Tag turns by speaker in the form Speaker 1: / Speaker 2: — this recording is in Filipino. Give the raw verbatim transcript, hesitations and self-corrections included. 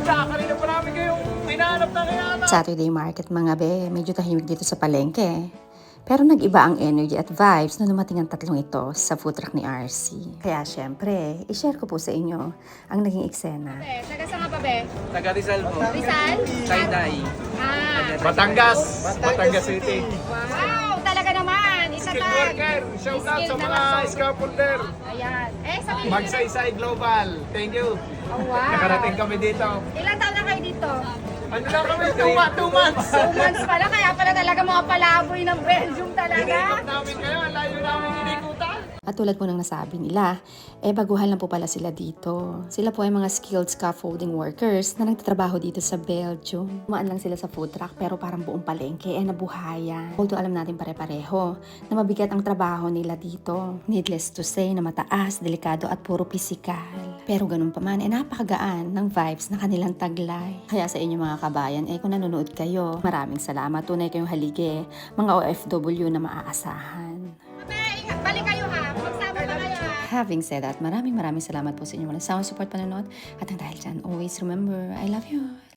Speaker 1: ganda. Kanina pa namin kayong hinahanap na kaya.
Speaker 2: Saturday market mga be, medyo tahimik dito sa palengke. Pero nag-iba ang energy at vibes na dumating ang tatlong ito sa food truck ni R C. Kaya syempre, i-share ko po sa inyo ang naging eksena.
Speaker 3: Be, taga saan ka pa, Be?
Speaker 4: Taga Rizal po.
Speaker 3: Rizal?
Speaker 4: Sayday.
Speaker 3: Ah,
Speaker 1: Batangas. Batangas City.
Speaker 3: wow, talaga naman. Isa
Speaker 1: Skill
Speaker 3: tag.
Speaker 1: worker. Shout out sa mga scaffolder.
Speaker 3: Ayan. Eh, sabi niyo.
Speaker 1: Magsaysay Global. Thank you.
Speaker 3: Oh, wow.
Speaker 1: Nakarating kami dito.
Speaker 3: Ilan taon na kayo dito?
Speaker 1: Ano lang kami? Two, ma- two months.
Speaker 3: Two months pala, kaya pala talaga mga palaboy ng Belgium talaga.
Speaker 1: Inikot namin kayo. Ang layo namin inikutan.
Speaker 2: At tulad po ng nasabi nila, eh baguhan lang po pala sila dito. Sila po ay mga skilled scaffolding workers na nagtatrabaho dito sa Belgium. Umaan lang sila sa food truck pero parang buong palengke eh nabuhayan. Although alam natin pare-pareho na mabigat ang trabaho nila dito. Needless to say na mataas, delikado at puro pisikal. Pero ganun pa man, eh napakagaan ng vibes na kanilang taglay. Kaya sa inyo mga kabayan, eh kung nanonood kayo, maraming salamat. Tunay kayong haligi, mga O F W na maaasahan.
Speaker 3: Be, ingat, balik kayo ha. Magsama pa kayo ha.
Speaker 2: Having said that, maraming maraming salamat po sa inyong mga sound support panonood. At ang dahil dyan, always remember, I love you.